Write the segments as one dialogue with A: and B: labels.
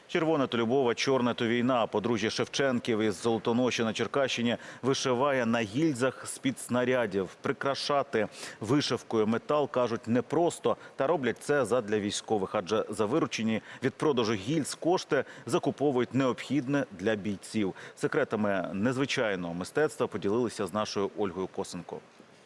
A: Червоне то любов, а чорне то війна. Подружжя Шевченків із Золотоноші на Черкащині вишиває на гільзах з-під снарядів. Прикрашати вишивкою метал, кажуть, непросто. Та роблять це задля військових, адже за виручені від продажу гільз кошти закуповують необхідне для бійців. Секретами незвичайного мистецтва поділилися з нашою Ольгою Косенко.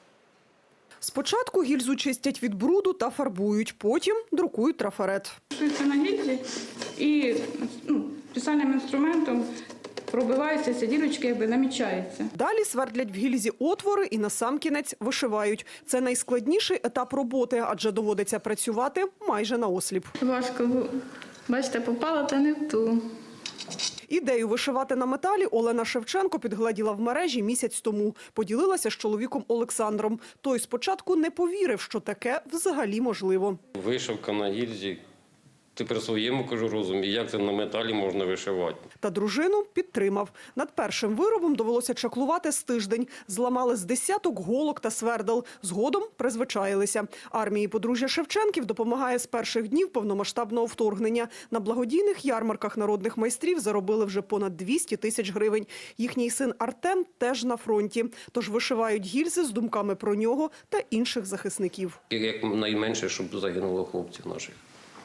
B: Спочатку гільзу чистять від бруду та фарбують, потім друкують трафарет.
C: Шується на гільзі і спеціальним інструментом пробиваються ці дірочки, намічаються.
B: Далі свердлять в гільзі отвори і насамкінець вишивають. Це найскладніший етап роботи, адже доводиться працювати майже наосліп.
C: Важко, бачите, попала та не в ту.
B: Ідею вишивати на металі Олена Шевченко підгледіла в мережі місяць тому. Поділилася з чоловіком Олександром. Той спочатку не повірив, що таке взагалі можливо.
D: Вишивка на гільзі. Ти при своєму, кажу, розумі, як це на металі можна вишивати.
B: Та дружину підтримав. Над першим виробом довелося чаклувати з тиждень. Зламали з десяток голок та свердел. Згодом призвичаїлися. Армії подружжя Шевченків допомагає з перших днів повномасштабного вторгнення. На благодійних ярмарках народних майстрів заробили вже понад 200 тисяч гривень. Їхній син Артем теж на фронті. Тож вишивають гільзи з думками про нього та інших захисників.
D: Як найменше, щоб загинуло хлопців наших.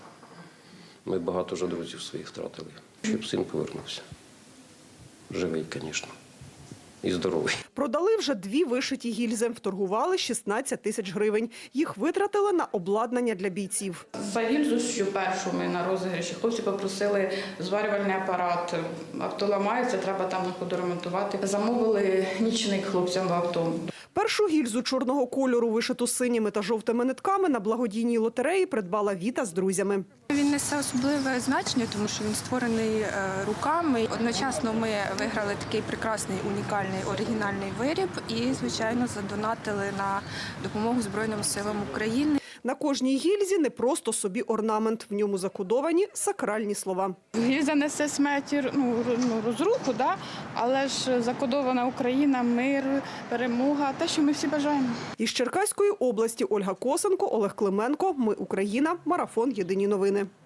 D: Ми багато вже друзів своїх втратили, щоб син повернувся. Живий, звісно, і здоровий.
B: Продали вже 2 вишиті гільзи, вторгували 16 тисяч гривень. Їх витратили на обладнання для бійців.
C: За гільзу, що першу ми на розіграші, хлопці попросили зварювальний апарат. Авто ламається, треба там на ходу ремонтувати. Замовили нічник хлопцям в авто.
B: Першу гільзу чорного кольору, вишиту синіми та жовтими нитками, на благодійній лотереї придбала Віта з друзями.
E: Він несе особливе значення, тому що він створений руками. Одночасно ми виграли такий прекрасний, унікальний, оригінальний виріб і, звичайно, задонатили на допомогу Збройним силам України.
B: На кожній гільзі не просто собі орнамент. В ньому закодовані сакральні слова.
C: Гільза несе смерть, розруху, але ж закодована Україна, мир, перемога, те, що ми всі бажаємо.
B: Із Черкаської області Ольга Косенко, Олег Клименко. Ми Україна. Марафон. Єдині новини.